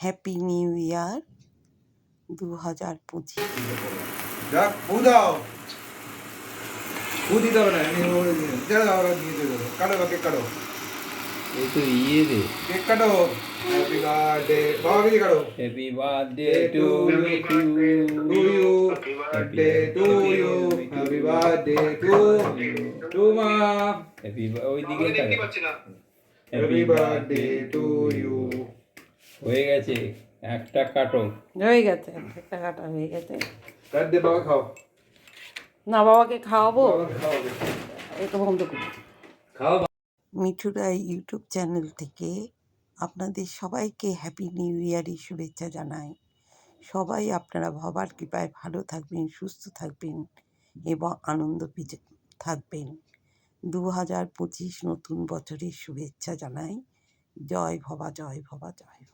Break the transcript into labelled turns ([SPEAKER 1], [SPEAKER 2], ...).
[SPEAKER 1] Happy new year 2025।
[SPEAKER 2] যাক বউ দাও বউ দিতে হবে না যারা দাও দিয়ে দেবো কাটো বা কেক কাটো
[SPEAKER 3] এই তো ইয়ে রে
[SPEAKER 2] কেক কাটো হ্যাপি বার্থডে বাবা দিদি কাটো
[SPEAKER 3] happy birthday to
[SPEAKER 2] to you birthday to you happy birthday to মা
[SPEAKER 3] হ্যাপি ওইদিকে
[SPEAKER 2] হ্যাপি বার্থডে টু ইউ
[SPEAKER 3] হয়ে গেছে একটা কাটো
[SPEAKER 1] হয়ে গেছে, একটা কাটা হয়ে গেছে।
[SPEAKER 2] কাট দে বাবা খাও
[SPEAKER 1] না, বাবাকে খাওয়াবো,
[SPEAKER 2] বাবাকে খাওয়াবে
[SPEAKER 1] এটা বন্ধ করি।
[SPEAKER 2] খাও
[SPEAKER 1] মিঠুরা ইউটিউব চ্যানেল থেকে আপনাদের সবাইকে হ্যাপি নিউ ইয়ারের শুভেচ্ছা জানাই। সবাই আপনারা বাবার কৃপায় ভালো থাকবেন, সুস্থ থাকবেন এবং আনন্দ থাকবেন। 2025 নতুন বছরের শুভেচ্ছা জানাই। জয় ভবা জয় ভবা জয় ভবা।